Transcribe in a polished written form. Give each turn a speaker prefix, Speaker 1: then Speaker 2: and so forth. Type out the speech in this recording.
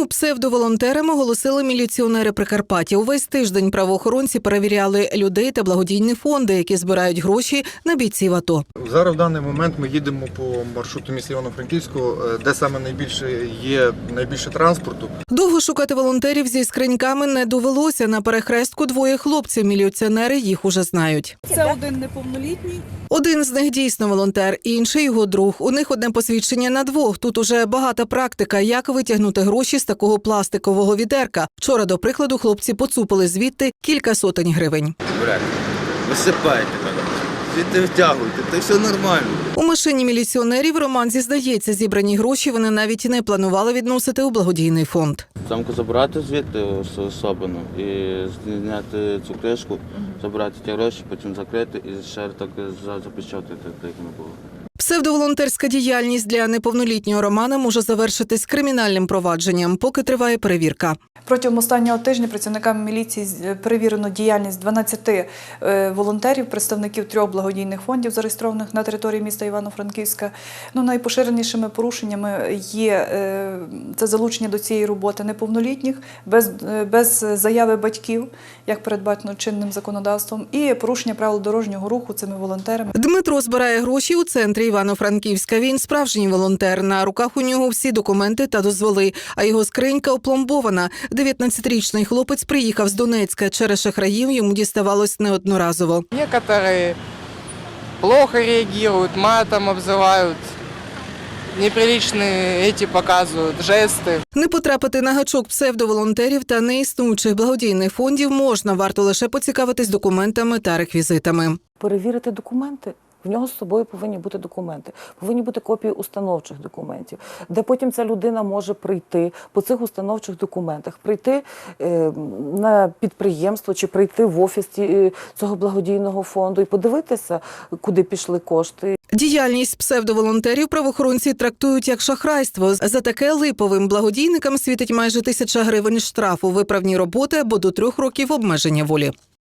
Speaker 1: Псевдоволонтерами оголосили міліціонери Прикарпаття. Увесь тиждень правоохоронці перевіряли людей та благодійні фонди, які збирають гроші на бійців АТО.
Speaker 2: Зараз в даний момент ми їдемо по маршруту міста Івано-Франківського, де саме найбільше транспорту.
Speaker 1: Довго шукати волонтерів зі скриньками не довелося. На перехрестку двоє хлопців. Міліціонери їх уже знають.
Speaker 3: Це один неповнолітній.
Speaker 1: Один з них дійсно волонтер, інший його друг. У них одне посвідчення на двох. Тут уже багата практика, як витягнути гроші з такого пластикового відерка. Вчора, до прикладу, хлопці поцупили звідти кілька сотень гривень.
Speaker 4: Брек, висипайте мене, звідти втягуйте, та все нормально.
Speaker 1: У машині міліціонерів Роман зізнається, зібрані гроші вони навіть не планували відносити у благодійний фонд.
Speaker 4: Замку забрати звідти особину і зняти цю кришку, забрати ті гроші, потім закрити і ще так запечатати, так як не було.
Speaker 1: Псевдоволонтерська діяльність для неповнолітнього Романа може завершитись кримінальним провадженням, поки триває перевірка.
Speaker 3: Протягом останнього тижня працівниками міліції перевірено діяльність 12 волонтерів, представників 3 благодійних фондів, зареєстрованих на території міста Івано-Франківська. Найпоширенішими порушеннями є це залучення до цієї роботи неповнолітніх, без заяви батьків, як передбачено чинним законодавством, і порушення правил дорожнього руху цими волонтерами.
Speaker 1: Дмитро збирає гроші у центрі Івано-Франківська. Він справжній волонтер. На руках у нього всі документи та дозволи, а його скринька опломбована. 19-річний хлопець приїхав з Донецька. Через шахраїв йому діставалось неодноразово.
Speaker 5: Некоторые плохо реагируют, матом обзывают, неприличные эти показывают, жесты.
Speaker 1: Не потрапити на гачок псевдоволонтерів та неіснуючих благодійних фондів можна. Варто лише поцікавитись документами та реквізитами.
Speaker 6: Перевірити документи. В нього з собою повинні бути документи, повинні бути копії установчих документів, де потім ця людина може прийти по цих установчих документах, прийти на підприємство чи прийти в офіс цього благодійного фонду і подивитися, куди пішли кошти.
Speaker 1: Діяльність псевдоволонтерів правоохоронці трактують як шахрайство. За таке липовим благодійникам світить майже 1000 гривень штрафу, виправні роботи або до 3 років обмеження волі.